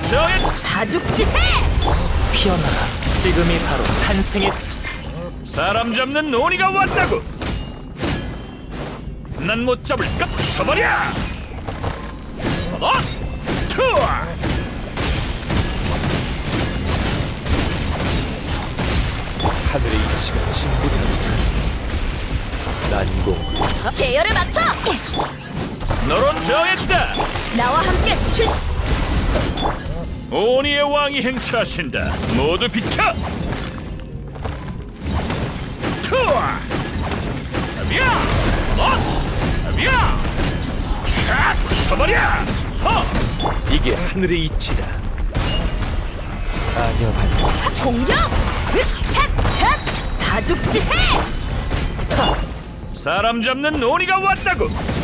저의 다죽지세! 피어나라. 지금이 바로 탄생의 사람 잡는 논의가 왔다고. 난 못 잡을까? 쳐버려. 받아. 투어. 하늘의 이치가 진군한다. 난공 계열을 맞춰! 너로 정했다. 나와 함께 출... 오니의 왕이 행차하신다. 모두 비켜. 투어. 아비야. 아비야. 촥 쳐버려. 허. 이게 하늘의 이치다. 아녀 반사 공격! 다죽지세! 사람 잡는 논의가 왔다고.